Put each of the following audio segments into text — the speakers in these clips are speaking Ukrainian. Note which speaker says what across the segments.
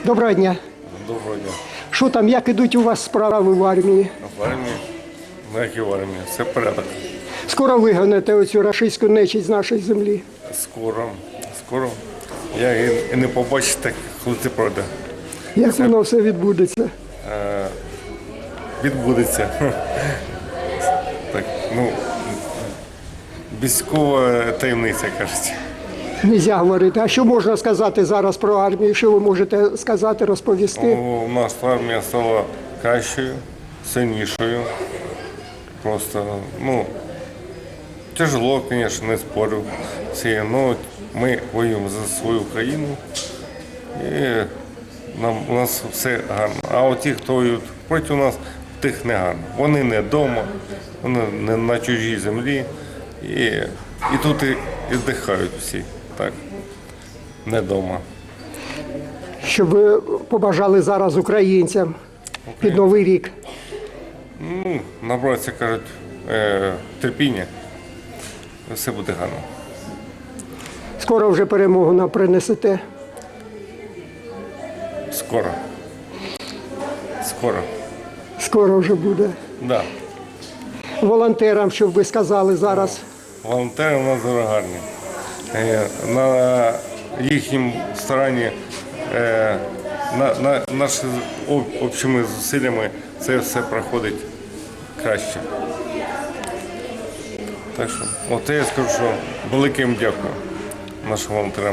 Speaker 1: Доброго дня.
Speaker 2: Доброго дня.
Speaker 1: Що там, як ідуть у вас справи в армії?
Speaker 2: В армії? На якій в армії? Все порядок.
Speaker 1: Скоро вигоните оцю рашистську нечисть з нашої землі?
Speaker 2: Скоро. Я і не побачу, так, коли це пройде.
Speaker 1: Як воно все відбудеться?
Speaker 2: Відбудеться. Так, військова таємниця, кажуть.
Speaker 1: Нельзя говорити. А що можна сказати зараз про армію? Що ви можете сказати, розповісти?
Speaker 2: У нас армія стала кращою, сильнішою. Просто, тяжело, звісно, не спорю. Але ми воюємо за свою країну і у нас все гарно. А от ті, хто воюють проти нас, тих не гарно. Вони не вдома, вони не на чужій землі. І тут і здихають всі, так, не вдома.
Speaker 1: Що ви побажали зараз українцям під Новий рік?
Speaker 2: Набратися, кажуть, терпіння, все буде гарно.
Speaker 1: Скоро вже перемогу нам принесете?
Speaker 2: Скоро.
Speaker 1: Скоро вже буде.
Speaker 2: Да.
Speaker 1: Волонтерам, щоб ви сказали зараз?
Speaker 2: Волонтери у нас дуже гарні. На їхнім старанні, нашими общими зусиллями це все проходить краще. Так що, от я скажу, що велике їм дякую нашим волонтерам.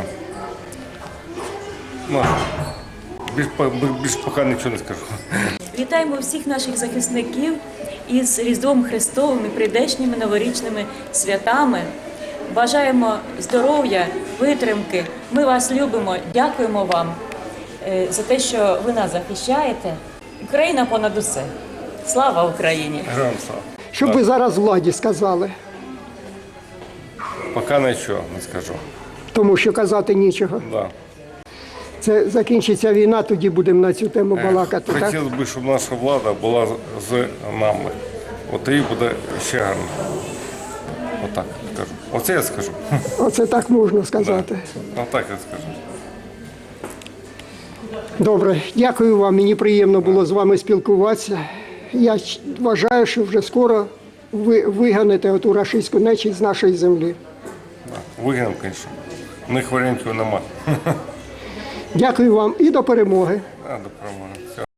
Speaker 2: Більш поки нічого не скажу.
Speaker 3: Вітаємо всіх наших захисників із Різдвом Христовим і прийдешніми новорічними святами. Бажаємо здоров'я, витримки. Ми вас любимо, дякуємо вам за те, що ви нас захищаєте. Україна понад усе. Слава Україні!
Speaker 2: Героям слава.
Speaker 1: Що б ви зараз владі сказали?
Speaker 2: Поки нічого не скажу.
Speaker 1: Тому що казати нічого.
Speaker 2: Да.
Speaker 1: Це закінчиться війна, тоді будемо на цю тему балакати, так?
Speaker 2: Хотілося б, щоб наша влада була з нами. От тоді буде ще гарно. Отак скажу. Оце я скажу.
Speaker 1: Оце так можна сказати.
Speaker 2: Отак я скажу.
Speaker 1: Добре, дякую вам. Мені приємно було з вами спілкуватися. Я вважаю, що вже скоро ви виганите оту рашистську нечисть з нашої землі.
Speaker 2: Вигнав, звісно. У них варіантів нема.
Speaker 1: Дякую вам і до перемоги.
Speaker 2: До перемоги.